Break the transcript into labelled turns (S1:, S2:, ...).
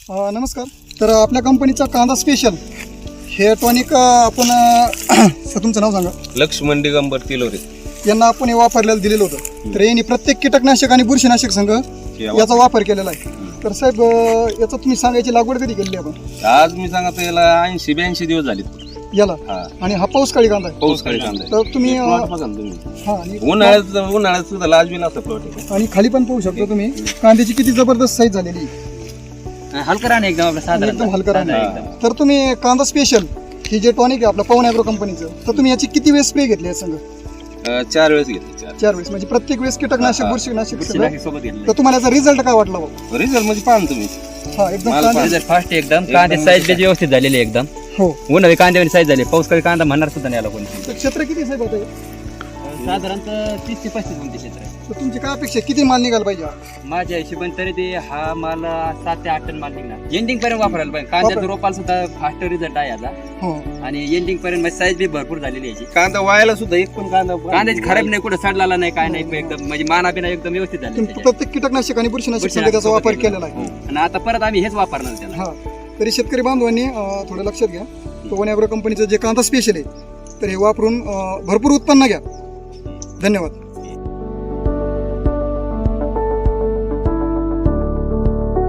S1: नमस्कार. तर आपल्या कंपनीचा कांदा स्पेशल हे टॉनिक आपण तुमचं नाव सांगा.
S2: लक्ष्मण दिगंबर तिलोरे.
S1: यांना आपण हे वापरलेलं दिलेलं होतं. तर यांनी प्रत्येक कीटकनाशक आणि बुरशीनाशक संघ याचा वापर केलेला आहे. तर साहेब याचा तुम्ही सांगायची लागवड कधी केली आपण?
S2: आज मी सांगतो याला 80-82 दिवस झाले
S1: याला.
S2: हा.
S1: आणि हा पाऊसकाळी कांदा आहे.
S2: पाऊसकाळी कांदा आहे.
S1: तर तुम्ही
S2: प्लॉट बघा ना तुम्ही.
S1: हा आणि
S2: उन्हाळ्यात सुद्धा लाजवी नसतं प्लॉट आहे.
S1: आणि खाली पण पाहू शकता तुम्ही कांद्याची किती जबरदस्त साईज झालेली आहे.
S3: हलका राहणे एकदम आपलं साधारण
S1: एकदम हलका राहणे.
S3: एकदम.
S1: तर तुम्ही कांदा स्पेशल ही जे टॉनिक आहे आपलं पवन ॲग्रो कंपनीचं, तर तुम्ही याची किती वेळेस स्प्रे घेतली आहे संघ?
S2: 4 वेळेस घेतले.
S1: 4 वेळेस. म्हणजे प्रत्येक वेळेस कीटकनाशक बुरशीनाशक सगळं.
S3: बुरशीनाशक सोबत घेतलं.
S1: तर तुम्हाला याचा रिझल्ट काय वाटला भाऊ?
S2: रिझल्ट म्हणजे पाहा ना तुम्ही.
S1: हा एकदम
S2: मला
S1: कांदा-
S3: रिझल्ट फास्ट एकदम कांदे साईज व्यवस्थित झालेली आहे एकदम.
S1: हो.
S3: उन्हाळी कांद्यावर साईज झाली. पाऊसकाळी कांदा म्हणणार सुद्धा नाही आला कोणी.
S1: तर क्षेत्र किती साहेब होतं?
S3: साधारणतः 30 ते 35 गुंठे क्षेत्र आहे.
S1: तर तुमची काय अपेक्षा आहे? किती माल निघाला पाहिजे?
S3: माझ्या हिशोबाने तरी ते हा माल 7 ते 8 टन माल निघणार. एंडिंग पर्यंत वापरायला पाहिजे. कांद्याचं रोपाला सुद्धा फास्ट रिझल्ट आहे याचा.
S1: हो.
S3: आणि एंडिंग पर्यंत साईज बी भरपूर झालेली आहे याची.
S2: कांदा वायाला सुद्धा एक पण कांदा
S3: कांद्याची खराब नाही, कुठं सडलेला नाही, काय नाही, एकदम म्हणजे माना बिना एकदम व्यवस्थित झाली
S1: तुम्ही प्रत्येक कीटकनाशक आणि बुरशीनाशक संघ त्याचा वापर केलेला आहे.
S3: आणि आता परत आम्ही हेच वापरणार त्याला.
S1: हा. तरी शेतकरी बांधवांनी थोडं लक्षात घ्या. पवन ॲग्रो कंपनीचं जे कांदा स्पेशल आहे तर हे वापरून भरपूर उत्पन्न घ्या. धन्यवाद.